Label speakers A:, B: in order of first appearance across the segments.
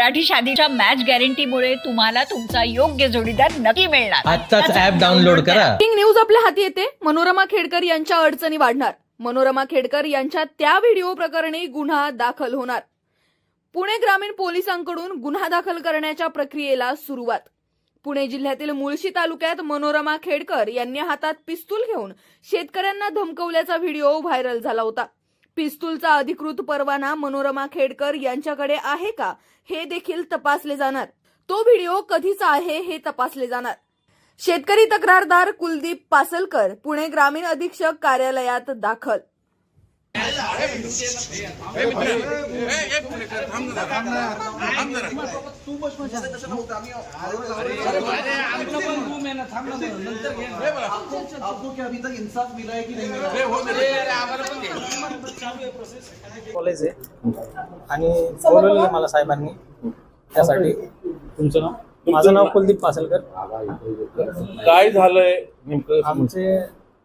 A: Marathi शादीच्या match गॅरंटीमुळे तुम्हाला तुमचा योग्य जोडीदार नक्की मिळणार।
B: आजच ॲप डाउनलोड करा।
C: ब्रेकिंग न्यूज आपल्या हाती येते। मनोरमा खेडकर यांच्या अडचणी वाढणार। मनोरमा खेडकर यांच्या त्या व्हिडिओ प्रकरणी गुन्हा दाखल होणार। पुणे ग्रामीण पोलिसांकडून गुन्हा दाखल करण्याच्या प्रक्रियेला सुरुवात। पुणे जिल्ह्यातील मुळशी तालुक्यात मनोरमा खेडकर यांनी हातात पिस्तूल घेऊन शेतकऱ्यांना धमकवल्याचा व्हिडिओ व्हायरल झाला होता। पिस्तूलचा अधिकृत परवाना मनोरमा खेडकर यांच्याकडे आहे का हे देखील तपासले जाणार। तो व्हिडिओ कधीचा आहे हे तपासले जाणार। शेतकरी तक्रारदार कुलदीप पासलकर पुणे ग्रामीण अधीक्षक कार्यालयात दाखल।
D: कॉलेज आहे आणि बोलवलेलं मला साहेबांनी त्यासाठी।
E: तुमचं नाव?
D: माझं नाव कुलदीप पासलकर।
E: काय झालंय नेमकं?
D: आमचे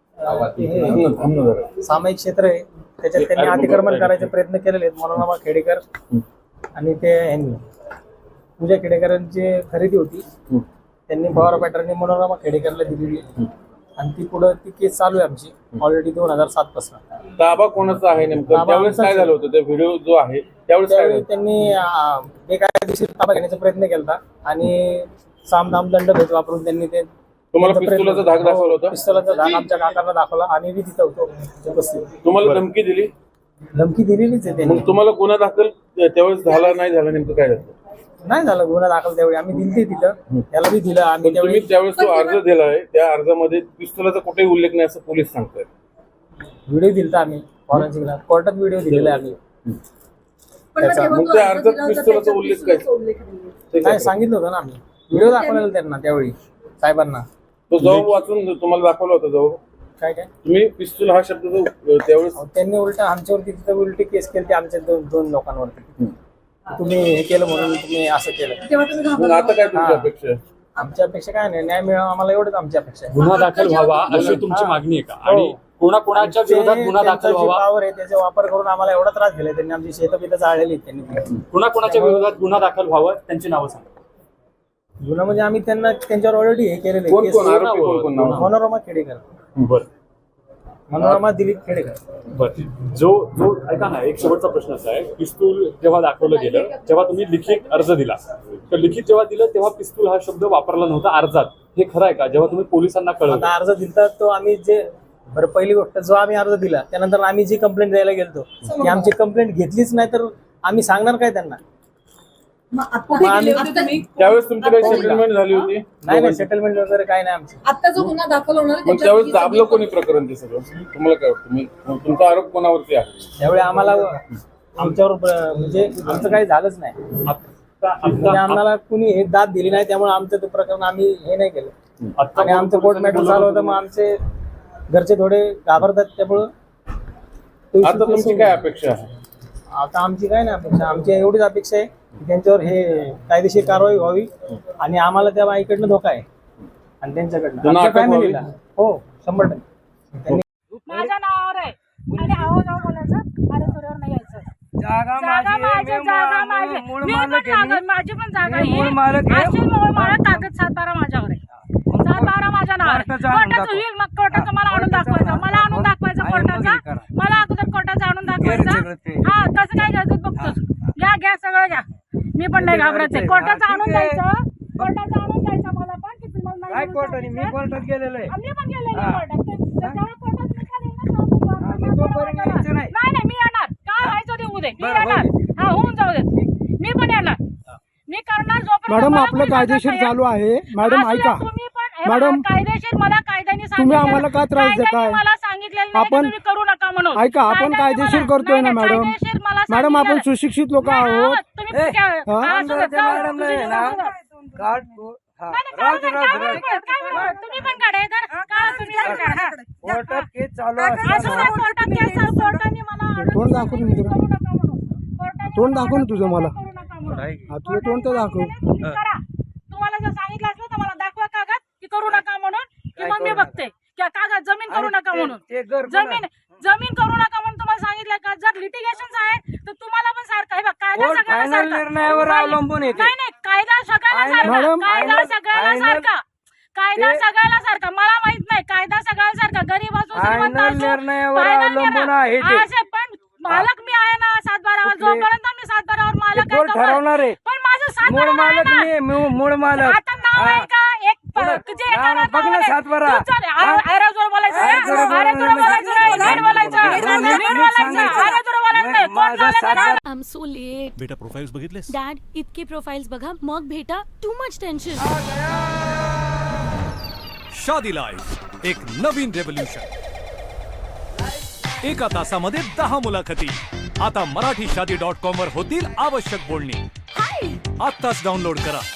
D: सामायिक क्षेत्र आहे त्याच्यात त्यांनी अतिक्रमण करायचे प्रयत्न केलेले आहेत। मनोरमा खेडेकर आणि ते यांनी पूजा खेडेकरांची खरेदी होती, त्यांनी पवार पॅटर्नने मनोरमा खेडेकरला दिलेली आणि ती पुढे ती केस चालू आहे आमची ऑलरेडी 2007 पासून।
E: ताबा कोणाचा आहे नेमकं? त्यावेळेस काय झालं होतं? ते व्हिडिओ जो आहे त्यावेळेस
D: त्यांनी बेकायदेशीर ताबा घेण्याचा प्रयत्न केला आणि सामदाम दंडभेद वापरून त्यांनी ते
E: तुम्हाला पिस्तुलाचा धाक दाखवला होता?
D: पिस्तुलाचा धाक आमच्या काकांना दाखवला आणि मी तिथं होतो उपस्थित।
E: तुम्हाला धमकी दिली?
D: धमकी दिलेलीच आहे त्यांनी।
E: मग तुम्हाला गुन्हा दाखल त्यावेळेस झाला नाही झाला नेमकं काय झालं?
D: नाही झालं गुन्हा दाखल त्यावेळी आम्ही दिली तिथं, त्याला बी दिलं आम्ही
E: तुम्ही त्यावेळेस जो अर्ज दिलाय त्या अर्जामध्ये पिस्तुलाचा कुठेही उल्लेख नाही असं पोलीस सांगतायत।
D: व्हिडिओ दिलता आम्ही फॉरेन्सिकला, कोर्टात व्हिडिओ दिलेला आहे आम्ही त्याचा।
E: मग त्या अर्जात पिस्तुलाचा उल्लेख काय?
D: काय सांगितलं होतं ना आम्ही, व्हिडिओ दाखवलेला त्यांना त्यावेळी साहेबांना।
E: तो जबाब वाचून तुम्हाला दाखवला होता जबाब?
D: काय काय
E: तुम्ही पिस्तूल हा शब्द जो त्यावेळेस
D: त्यांनी उलट आमच्यावरती तिथं उलटी केस केली आमच्या दोन लोकांवरती। तुम्ही हे केलं म्हणून तुम्ही असं केलं।
E: मग आता काय तुमची अपेक्षा आहे?
D: आमच्या अपेक्षा काय नाही, न्याय मिळावा आम्हाला एवढंच आमची अपेक्षा आहे।
F: गुन्हा दाखल व्हावा अशी तुमची मागणी आहे का? आणि कोणाकोणाच्या विरोधात गुन्हा दाखल व्हावा?
D: पावर आहे त्याचा वापर करून आम्हाला एवढा त्रास दिलाय त्यांनी, आमची शेतं जाळलेली त्यांनी।
F: कोणाकोणाच्या विरोधात गुन्हा दाखल व्हावं त्यांची नावं सांगा।
D: गुन्हा म्हणजे आम्ही त्यांना त्यांच्यावर ऑलरेडी हे केलेलं
E: कोण कोण आरोपी कोण कोण नाव?
D: मनोरमा खेडेकर,
F: बरं
D: मनोरमा दिलीप खेडेकर।
F: बरं, जो ऐका ना, एक शेवटचा प्रश्न असा आहे, पिस्तूल जेव्हा दाखवलं गेलं जेव्हा तुम्ही लिखित अर्ज दिला तर लिखित जेव्हा दिलं तेव्हा पिस्तूल हा शब्द वापरला नव्हता अर्जात, हे खरं आहे का? जेव्हा तुम्ही पोलिसांना कळवलं
D: अर्ज दिलता तो आम्ही जे बरं पहिली गोष्ट जो आम्ही अर्ज दिला त्यानंतर आम्ही जी कंप्लेंट द्यायला गेलतो ती आमची कंप्लेंट घेतलीच नाही तर आम्ही सांगणार काय त्यांना?
E: त्यावेळेस तुमची काही सेटलमेंट झाली होती?
D: नाही सेटलमेंट वगैरे काय नाही आमची।
C: आता जो गुन्हा दाखल होणार
E: मग त्यावेळेस दाबलं कोणी प्रकरण ते सगळं? तुम्हाला काय वाटतं? तुमचा आरोप कोणावरती आहे?
D: त्यावेळी आम्हाला आमच्यावर म्हणजे आमचं काही झालंच नाही, म्हणजे आम्हाला कुणी हे दाद दिली नाही, त्यामुळे आमचं ते प्रकरण आम्ही हे नाही केलं आणि आमचं कोर्ट मॅटर चालू होतं। मग आमचे घरचे थोडे घाबरतात, त्यामुळे
E: आता तुमची काय अपेक्षा आहे?
D: आता आमची काय नाही अपेक्षा, आमची एवढीच अपेक्षा आहे की त्यांच्यावर हे कायदेशीर कारवाई व्हावी आणि आम्हाला त्या बाईकडनं धोका आहे आणि त्यांच्याकडनं आमच्या फॅमिलीला। हो 100%।
G: माझ्या नावावर आहे आणि आहो जाऊ बोलायचं, अरे तुझ्यावर नाही यायचं। जागा माझी, मी पण कागद माझी पण जागा ही अशी मूळ मालक कागद 7-12 माझ्यावर आहे, 7-12 माझ्या नावावर। कोर्टाचं होईल मग कोर्टाचं मला आणून दाखवायचं, मला आणून दाखवायचं कोर्टाचा, मला अगोदर कोर्टाचा आणून दाखवायचं। हा कसं काय घ्यायचं बघतोस, घ्या सगळं घ्या, मी पण नाही घाबरत आहे। कोर्टाचं आणून द्यायचं, कोर्टाचं आणून द्यायचं मला पण की तुम्हाला नाही कोर्टाने, मी कोर्टात गेलेलो आहे, मी पण गेलेलो आहे कोर्टात। त्याच्यावर कोर्टात निकाल येणार नाही, मी येणार, काय व्हायचं ते होऊ दे, मी येणार, हा होऊन जाऊ दे, मी पण येणार, मी करणार जोपर्यंत।
H: मॅडम आपलं कायदेशीर चालू आहे मॅडम, ऐका
G: मॅडम, कायदेशीर मला कायद्याने
H: तुम्ही आम्हाला का त्रास देताय?
G: मला सांगितलेलं
H: आपण
G: तुम्ही करू नका म्हणून।
H: ऐका आपण कायदेशीर करतोय ना मॅडम, मॅडम आपण सुशिक्षित लोक आहोत।
G: तुम्ही पण काढा
H: कोर्टात केस चालू आहे, तोंड दाखव ना तुझं, मला तुझं तोंड तर दाखव।
G: तुम्हाला जर सांगितलं असलं तर मला दाखवा कागद की करू नका म्हणून, की मग मी बघते कागद जमीन करू नका म्हणून, जमीन करू नका म्हणून तुम्हाला सांगितलं का जर लिटिगेशन आहे तर तुम्हाला पण सारखं आहे बघ, कायदा
B: कोर्ट
G: सगळ्याला
B: फायनल
G: सारखा.
B: निर्णयावर अवलंबून येते.
G: नाही नाही, कायदा सगळ्याला सारखा,
H: मॅडम,
G: कायदा सगळ्याला
B: फायनल-
G: सारखा, कायदा
B: ते-
G: सगळ्याला सारखा. मला माहित नाही, कायदा सगळ्याला सारखा. गरीब असो श्रीमंत
B: फायनल
G: असो,
B: निर्णयावर
G: फायनल
B: अवलंबून
G: निर्णय.
B: आहे ते.
G: असे पण मालक मी आहे ना 7-12 वर.
B: कुठले?
G: जोपर्यंत मी 7-12 वर मालक आहे
B: कोर्ट
G: तोपर्यंत.
B: ठरवणार आहे.
G: पण माझं
B: मूळ
G: 7-12
B: मालक
G: आहे
B: मी
G: ना.
B: मूळ मालक.
G: आता नाव आहे का एक तुझे एका
B: नाव
G: नाव
B: बघ ना
G: आहे.
B: 7-12.
G: तू चल, अरे जोर बोलायचं रे.
B: अरे जोर
G: अरे जोर बोलायचं रे. नीट बोलायचं. नीट बोलायचं. अरे जोर बोलायचं नाही. कोण
B: माझा
G: मालक आहे?
B: 7-12
I: आय एम सो लेट.
J: बेटा प्रोफाईल्स बघितलेस?
I: डॅड इतके प्रोफाईल्स बघा मग भेटा. Too much tension.
J: Shaadi life एक नवीन रेव्होल्यूशन. एका तासामध्ये 10 मुलाखती. आता मराठीशादी.com वर होतील आवश्यक बोलणी. आत्ताच डाउनलोड करा.